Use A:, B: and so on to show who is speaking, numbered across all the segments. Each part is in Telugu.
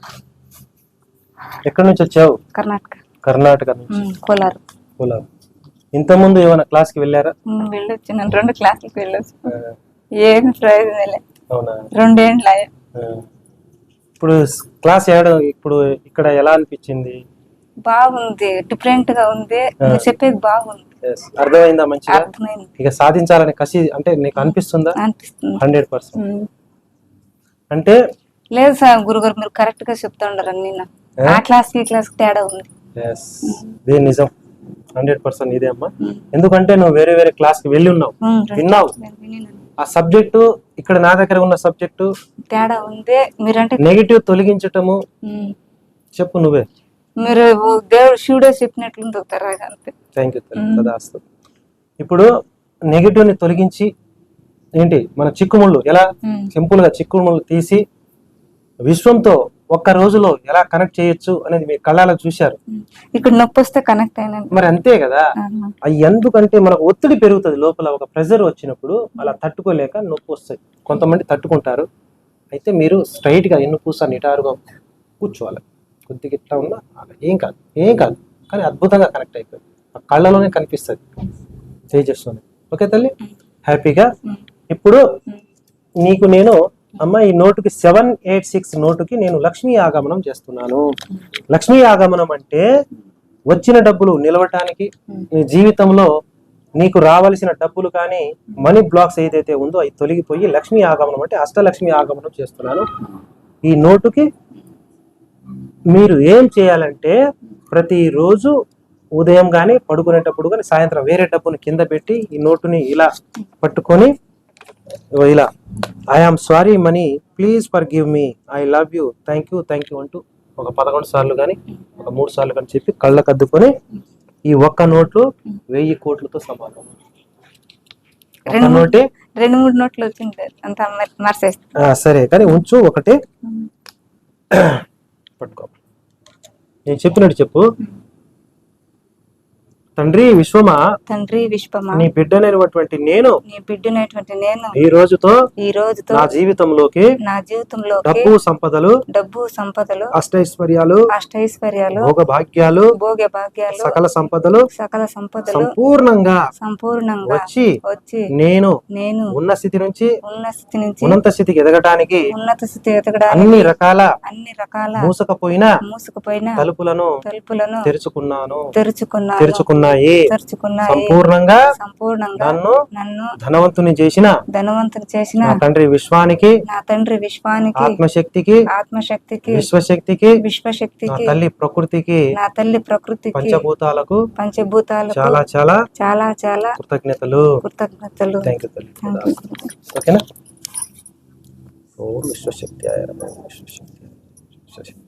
A: ఎక్కడి నుంచి వచ్చావు?
B: కర్ణాటక.
A: కర్ణాటక నుంచి.
B: కోలార్.
A: కోలార్. ఇంతకుముందు ఏమైనా క్లాస్కి వెళ్ళారా?
B: వెళ్ళొచ్చు, నేను 2 క్లాసులకు వెళ్ళొచ్చు. ఏమి ప్రయోజనం లేదు.
A: అవునా?
B: 2 ఏండ్లు.
A: ఇప్పుడు క్లాస్ ఇప్పుడు ఇక్కడ ఎలా అనిపించింది?
B: బాగుంది, డిఫరెంట్ గా ఉంది. చెప్పేది బాగుంది.
A: అర్థమైందా? మంచిగా
B: అర్థమైంది.
A: ఇక సాధించాలని కసి అంటే నీకు అనిపిస్తుందా?
B: అనిపిస్తుంది.
A: 100%. అంటే
B: లేదు సార్, గురుగారు మీరు కరెక్ట్ గా చెప్తుండారు. నేను ఆ క్లాస్ ఈ క్లాస్ తేడా ఉంది.
A: ఇది నిజం, 100% ఇదే అమ్మా. ఎందుకంటే నువ్వు వేరే వేరే క్లాస్ కి వెళ్ళి ఉన్నావు, విన్నావు. ఆ సబ్జెక్టు ఇక్కడ నా దగ్గర ఉన్న సబ్జెక్టు
B: తేడా ఉంది. మీరంటే
A: నెగిటివ్ తొలగించటము. చెప్పు నువ్వే.
B: మీరు దేవుడు శివుడే చెప్పినట్లుంది. అంతే.
A: థ్యాంక్ యూ తదాస్తు. ఇప్పుడు నెగిటివ్ ని తొలగించి ఏంటి మన చిక్కుముళ్ళు ఎలా సింపుల్ గా చిక్కుముళ్ళు తీసి విశ్వంతో ఒక్క రోజులో ఎలా కనెక్ట్ చేయొచ్చు అనేది మీ కళ్ళలో చూశారు.
B: ఇక్కడ నొప్పి వస్తే కనెక్ట్ అయినా
A: మరి అంతే కదా. అది ఎందుకంటే మనకు ఒత్తిడి పెరుగుతుంది లోపల, ఒక ప్రెజర్ వచ్చినప్పుడు అలా తట్టుకోలేక నొప్పి వస్తాయి. కొంతమంది తట్టుకుంటారు. అయితే మీరు స్ట్రైట్ గా ఎన్నుపూస నిటారుగా కూర్చోవాలి. కొద్దిగా ఇట్లా ఉన్నా ఏం కాదు కానీ అద్భుతంగా కనెక్ట్ అయిపోయింది. ఆ కళ్ళలోనే కనిపిస్తుంది చేస్తుంది. ఓకే తల్లి, హ్యాపీగా. ఇప్పుడు నీకు నేను అమ్మ ఈ నోటుకి 786 నోటుకి నేను లక్ష్మీ ఆగమనం చేస్తున్నాను. లక్ష్మీ ఆగమనం అంటే వచ్చిన డబ్బులు నిలవటానికి, నీ జీవితంలో నీకు రావలసిన డబ్బులు కానీ మనీ బ్లాక్స్ ఏదైతే ఉందో అవి తొలగిపోయి లక్ష్మీ ఆగమనం అంటే అష్టలక్ష్మి ఆగమనం చేస్తున్నాను. ఈ నోటుకి మీరు ఏం చేయాలంటే ప్రతిరోజు ఉదయం కానీ పడుకునేటప్పుడు కానీ సాయంత్రం వేరే డబ్బుని కింద పెట్టి ఈ నోటుని ఇలా పట్టుకొని ఇలా I am sorry money, please for give me, I love you, thank you అంటూ ఒక 11 సార్లు కానీ ఒక 3 సార్లు కానీ చెప్పి కళ్ళకు అద్దుకొని ఈ ఒక్క నోట్లు 1000 కోట్లతో సమానం. నోటే
B: 2-3 నోట్లు వచ్చింది అంత మార్చేస్తా.
A: సరే కానీ ఉంచు ఒకటి పట్టుకో. నేను చెప్పినట్టు చెప్పు. తండ్రి విశ్వమా, నీ బిడ్డనైనటువంటి నేను ఈ రోజుతో నా జీవితంలోకి డబ్బు సంపదలు అష్టైశ్వర్యాలు భోగ భాగ్యాలు సకల సంపదలు సంపూర్ణంగా వచ్చి నేను ఉన్న స్థితి నుంచి ఉన్నత స్థితికి ఎదగడానికి అన్ని రకాల మూసుకుపోయిన తలుపులను తెరుచుకున్నాను. సంపూర్ణంగా నన్ను ధనవంతుని చేసిన నా తండ్రి విశ్వానికి ఆత్మశక్తికి విశ్వశక్తికి నా తల్లి ప్రకృతికి పంచభూతాలకు చాలా చాలా చాలా చాలా కృతజ్ఞతలు. థ్యాంక్ యూ తల్లి. ఓకేనా? ఓం విశ్వశక్తి విశ్వశక్తి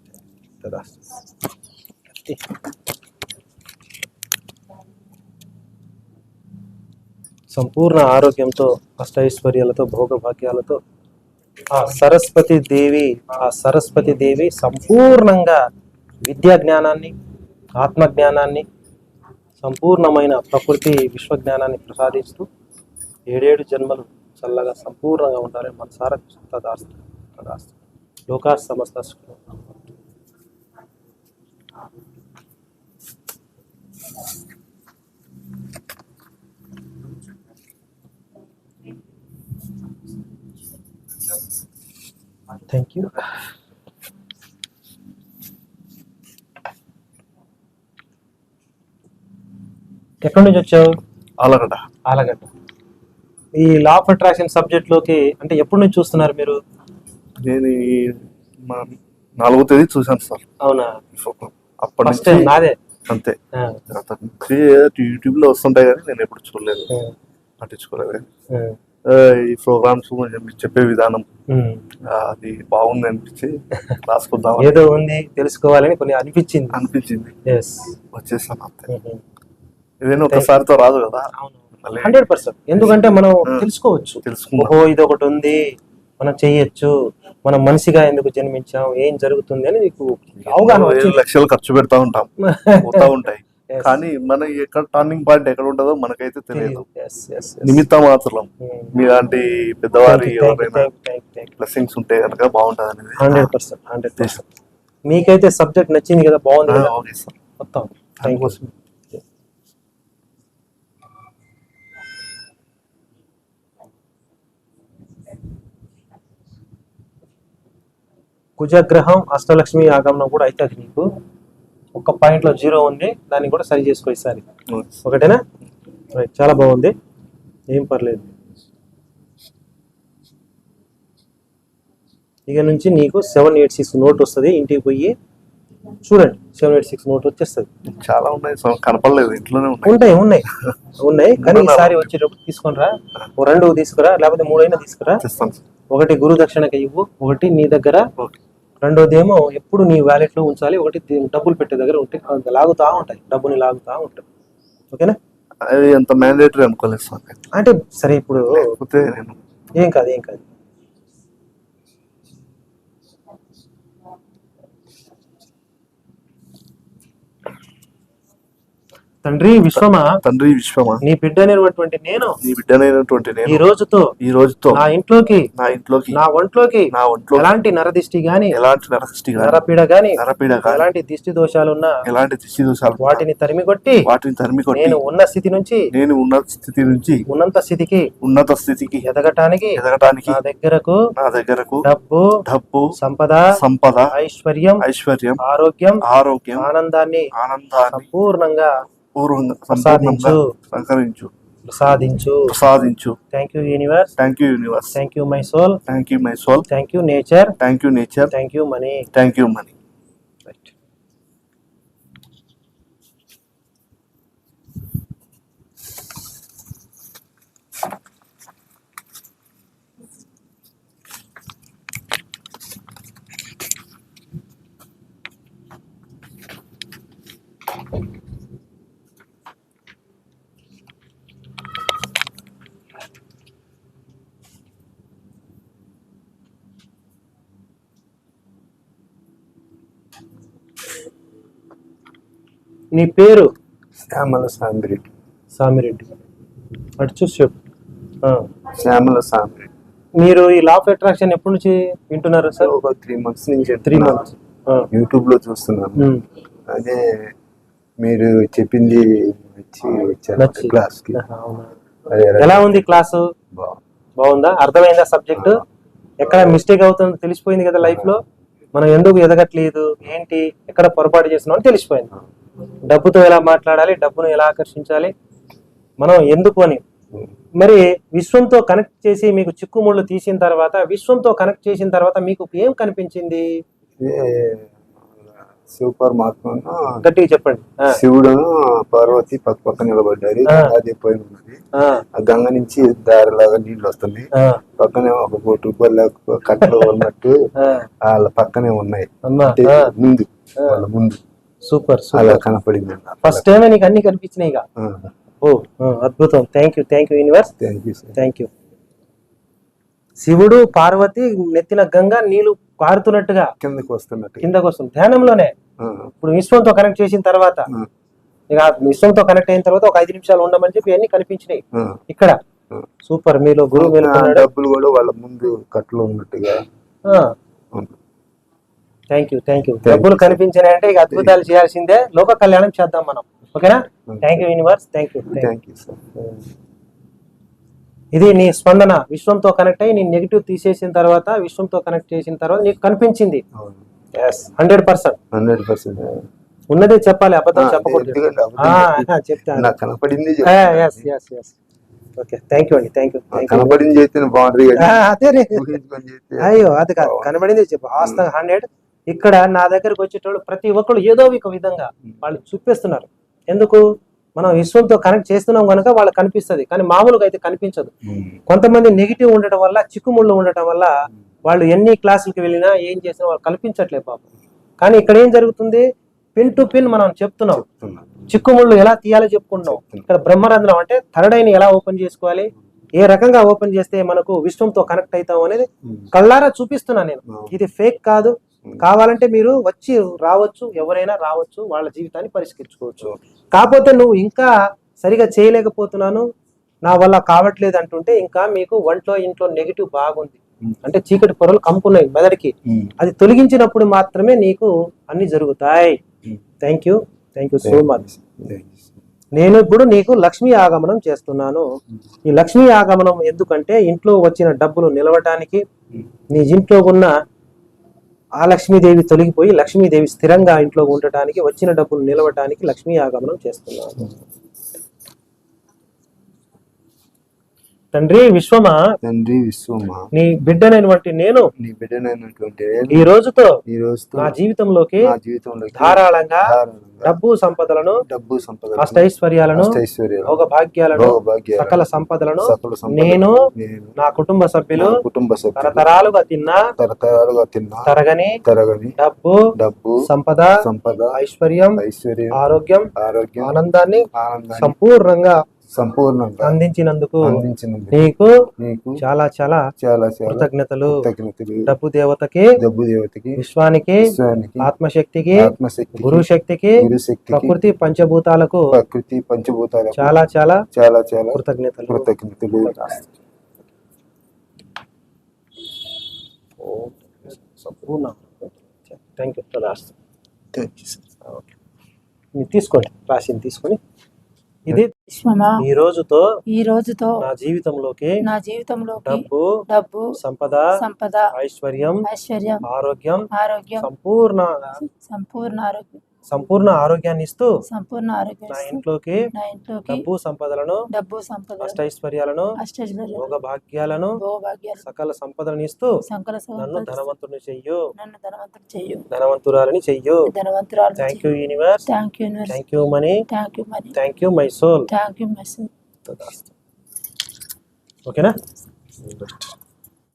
A: సంపూర్ణ ఆరోగ్యంతో అష్టైశ్వర్యాలతో భోగభాగ్యాలతో ఆ సరస్వతి దేవి సంపూర్ణంగా విద్యా జ్ఞానాన్ని, ఆత్మజ్ఞానాన్ని, సంపూర్ణమైన ప్రకృతి విశ్వజ్ఞానాన్ని ప్రసాదిస్తూ 7 జన్మలు చల్లగా సంపూర్ణంగా ఉండాలని మనసారా తదాస్తు. లోకా సమస్త థ్యాంక్ యూ. ఎక్కడి నుంచి వచ్చావు? ఆలగడ్డ. ఈ లా ఆఫ్ అట్రాక్షన్ సబ్జెక్ట్ లోకి అంటే ఎప్పటి నుంచి చూస్తున్నారు మీరు?
C: నేను 4వ తేదీ చూసాను సార్.
A: అవునా?
C: అప్పటి నుంచి
A: నాదే
C: అంతే. యూట్యూబ్ లో వస్తుంటాయి కానీ నేను ఎప్పుడు చూడలేదు, పట్టించుకోలేదు. ఈ ప్రోగ్రామ్స్ చెప్పే విధానం అది బాగుంది అనిపించి రాసుకుందాం,
A: ఏదో ఉంది తెలుసుకోవాలని కొన్ని అనిపించింది.
C: వచ్చేసాను అంతే. ఇదేనా ఒకసారితో రాదు కదా.
A: 100%. ఎందుకంటే మనం తెలుసుకోవచ్చు, ఓహో ఇది ఒకటి ఉంది, మనం చెయ్యొచ్చు, మనం మనిషిగా ఎందుకు జన్మించాం, ఏం జరుగుతుంది అని నీకు అవగాహన.
C: లక్షలు ఖర్చు పెడతా ఉంటాం, పోతా ఉంటాయి, కానీ మన ఎక్కడ టర్నింగ్ పాయింట్ ఎక్కడ ఉంటుందో మనకైతే తెలియదు. నిమిత్త మాత్రం మీలాంటి పెద్దవారి ఎవరైనా బ్లెస్సింగ్స్ ఉంటే కనుక బాగుంటది అనేది
A: 100%. మీకైతే సబ్జెక్ట్ నచ్చింది కదా, బాగుంది కదా
C: ఓకే సార్.
A: మొత్తం. Thank you. కుజగ్రహం అష్టలక్ష్మి ఆగమనం కూడా అవుతుంది నీకు. ఒక పాయింట్లో 0 ఉంది, దాన్ని కూడా సరి చేసుకో ఈసారి. ఒకటేనా? రైట్, చాలా బాగుంది, ఏం పర్లేదు. ఇక నుంచి నీకు 786 నోట్ వస్తుంది. ఇంటికి పోయి చూడండి, 786 నోట్ వచ్చేస్తుంది.
C: చాలా ఉన్నాయి సార్, కనపడలేదు, ఇంట్లోనే
A: ఉంటాయి ఉన్నాయి ఉన్నాయి కానీ ఈసారి వచ్చేటప్పుడు తీసుకొని రా. 2 తీసుకురా, లేకపోతే 3 అయినా తీసుకురా. ఒకటి గురు దక్షిణకి ఇవ్వు, ఒకటి నీ దగ్గర, రెండోదేమో ఎప్పుడు నీ వ్యాలెట్ లో ఉంచాలి, ఒకటి డబ్బులు పెట్టే దగ్గర ఉంటే లాగుతా ఉంటాయి, డబ్బుని లాగుతా ఉంటాయి. ఓకేనా?
C: అది అంత మ్యాండేటరీ అనుకోలేదు సార్.
A: అంటే సరే, ఇప్పుడు
C: నేను
A: ఏం కాదు, ఏం కాదు. తండ్రి విశ్వమా,
C: తండ్రి విశ్వమా,
A: నీ బిడ్డనైనటువంటి నేను,
C: నీ బిడ్డనైనటువంటి నేను
A: ఈ రోజుతో
C: నా
A: ఇంట్లోకి,
C: నా ఒంట్లోకి
A: ఎలాంటి నరదిష్టి గాని,
C: ఎలాంటి నరదిష్టి గాని,
A: నరపీడ గాని,
C: ఎలాంటి
A: దిష్టి దోషాలున్నా, వాటిని తరిమి కొట్టి నేను ఉన్న స్థితి నుంచి ఉన్నత స్థితికి ఎదగటానికి నా దగ్గరకు డబ్బు సంపద ఐశ్వర్యం ఆరోగ్యం ఆనందాన్ని సంపూర్ణంగా ప్రసాదించు. Thank you universe, thank you my soul, thank you nature, thank you money. Right. నీ పేరు?
D: శ్యామల సామిరెడ్డి.
A: సామిరెడ్డి. అటు చూసి చెప్పు.
D: శ్యామల సామిరెడ్డి.
A: మీరు ఈ లా ఆఫ్ అట్రాక్షన్ ఎప్పటి నుంచి వింటున్నారు సార్?
D: ఒక 3 months నుంచి.
A: 3 months.
D: యూట్యూబ్ లో చూస్తున్నాను. అదే మీరు చెప్పింది
A: నచ్చి
D: క్లాస్ కి.
A: ఎలా ఉంది క్లాసు? బాగుందా? అర్థమైందా సబ్జెక్ట్? ఎక్కడ మిస్టేక్ అవుతుందో తెలిసిపోయింది కదా లైఫ్ లో. మనం ఎందుకు ఎదగట్లేదు, ఏంటి, ఎక్కడ పొరపాటు చేస్తున్నాం అని తెలిసిపోయింది. డబ్బుతో ఎలా మాట్లాడాలి, డబ్బును ఎలా ఆకర్షించాలి, మనం ఎందుకు అని. మరి విశ్వంతో కనెక్ట్ చేసి మీకు చిక్కుముళ్ళు తీసిన తర్వాత, విశ్వంతో కనెక్ట్ చేసిన తర్వాత మీకు ఏం కనిపించింది?
D: శివ పరమాత్మ
A: గట్టిగా చెప్పండి.
D: శివుడును పార్వతి పక్క నిలబడ్డారు. అది పోయి ఉన్నది. ఆ గంగ నుంచి దారిలాగా నీళ్లు వస్తుంది. పక్కనే ఒక ₹1 కట్టలు ఉన్నట్టు వాళ్ళ పక్కనే ఉన్నాయి. ముందు వాళ్ళ ముందు
A: సూపర్
D: అలా కనపడింది.
A: ఫస్ట్ టైం నీకు అన్ని కనిపించినాయి. ఓ అద్భుతం. Thank you universe, thank you. శివుడు పార్వతి నెత్తిన గంగ నీళ్లు కారుతున్నట్టుగా కిందకు వస్తుంది ధ్యానంలోనే. ఇప్పుడు విశ్వంతో కనెక్ట్ చేసిన తర్వాత, ఇక విశ్వంతో కనెక్ట్ అయిన తర్వాత ఒక 5 నిమిషాలు ఉండమని చెప్పి అన్ని కనిపించినాయి ఇక్కడ. సూపర్. మీలో గురువు
D: డబ్బులు కూడా వాళ్ళ ముందు కట్టలు ఉన్నట్టుగా.
A: Thank you. డబ్బులు కనిపించినాయి అంటే ఇక అద్భుతాలు చేయాల్సిందే, లోక కళ్యాణం చేద్దాం మనం. ఓకేనా? Thank you universe, thank you. ఇది నీ స్పందన. విశ్వంతో కనెక్ట్ అయ్యి నీ నెగిటివ్ తీసేసిన తర్వాత, విశ్వంతో కనెక్ట్ చేసిన తర్వాత నీకు కనిపించింది. 100% ఉన్నదే చెప్పాలి, అబద్ధం చెప్పకూడదు. చెప్తాను. ఓకే, థ్యాంక్ యూ అండి, థ్యాంక్ యూ. అయ్యో అది కాదు, కనబడింది చెప్పు. వాస్తవం 100. ఇక్కడ నా దగ్గరకు వచ్చేటోళ్ళు ప్రతి ఒక్కరు ఏదో ఒక విధంగా వాళ్ళు చూపిస్తున్నారు. ఎందుకు? మనం విశ్వంతో కనెక్ట్ చేస్తున్నాం కనుక వాళ్ళకి కనిపిస్తుంది, కానీ మామూలుగా అయితే కనిపించదు. కొంతమంది నెగిటివ్ ఉండటం వల్ల, చిక్కుముళ్ళు ఉండటం వల్ల వాళ్ళు ఎన్ని క్లాసులకి వెళ్ళినా ఏం చేసినా వాళ్ళు కల్పించట్లేదు పాపం. కానీ ఇక్కడ ఏం జరుగుతుంది? పిన్ టు పిన్ మనం చెప్తున్నాం. చిక్కుముళ్ళు ఎలా తీయాలో చెప్పుకుంటున్నాం. ఇక్కడ బ్రహ్మరంధ్రం అంటే థర్డ్ ఐని ఎలా ఓపెన్ చేసుకోవాలి, ఏ రకంగా ఓపెన్ చేస్తే మనకు విశ్వంతో కనెక్ట్ అవుతాం అనేది కళ్ళారా చూపిస్తున్నా నేను. ఇది ఫేక్ కాదు. కావాలంటే మీరు వచ్చి రావచ్చు, ఎవరైనా రావచ్చు, వాళ్ళ జీవితాన్ని పరిష్కరించుకోవచ్చు. కాకపోతే నువ్వు ఇంకా సరిగా చేయలేకపోతున్నాను, నా వల్ల కావట్లేదు అంటుంటే ఇంకా మీకు ఇంట్లో నెగిటివ్ బాగుంది. అంటే చీకటి పొరలు కమ్ముకున్నాయి మెదడుకి. అది తొలగించినప్పుడు మాత్రమే నీకు అన్ని జరుగుతాయి. Thank you so much. నేను ఇప్పుడు నీకు లక్ష్మీ ఆగమనం చేస్తున్నాను. ఈ లక్ష్మీ ఆగమనం ఎందుకంటే ఇంట్లో వచ్చిన డబ్బులు నిలవటానికి, నీ ఇంట్లో ఉన్న ఆ లక్ష్మీదేవి తొలగిపోయి లక్ష్మీదేవి స్థిరంగా ఇంట్లో ఉండటానికి, వచ్చిన డబ్బులు నిలవటానికి లక్ష్మీ ఆగమనం చేస్తున్నాను. తండ్రి విశ్వమా,
D: తండ్రి విశ్వమా,
A: నీ బిడ్డనైనటువంటి నేను
D: నీ బిడ్డనైనటువంటి
A: ఈ రోజుతో
D: ఈ రోజుతో
A: నా జీవితంలోకి
D: నా జీవితంలోకి
A: ధారాళంగా డబ్బు సంపదలను, అష్టైశ్వర్యాలను, భోగ భాగ్యాలను, సకల సంపదలను నేను నా కుటుంబ సభ్యులు తరతరాలుగా తిన్నా తరగని డబ్బు సంపద ఐశ్వర్యం ఆరోగ్యం ఆనందాన్ని సంపూర్ణంగా అందించినందుకు నీకు చాలా చాలా కృతజ్ఞతలు. డబ్బు దేవతకి, విశ్వానికి, ఆత్మశక్తికి, గురు శక్తికి, ప్రకృతి పంచభూతాలకు చాలా చాలా కృతజ్ఞతలు. సంపూర్ణ థ్యాంక్ యూ. తీసుకోండి, రాసింది తీసుకొని. ఇది ఈ రోజుతో నా జీవితంలోకి డబ్బు సంపద ఐశ్వర్యం ఆరోగ్యం సంపూర్ణ ఆరోగ్యాన్ని ఇస్తూ నా ఇంట్లోకి డబ్బు సంపదలను అష్టైశ్వర్యాలను భోగ భాగ్యాలను సకల సంపదలను ఇస్తూ నన్ను ధనవంతుని చెయ్యు, ధనవంతురాలని చెయ్యు. Thank you universe, thank you money, thank you my soul. ఓకేనా?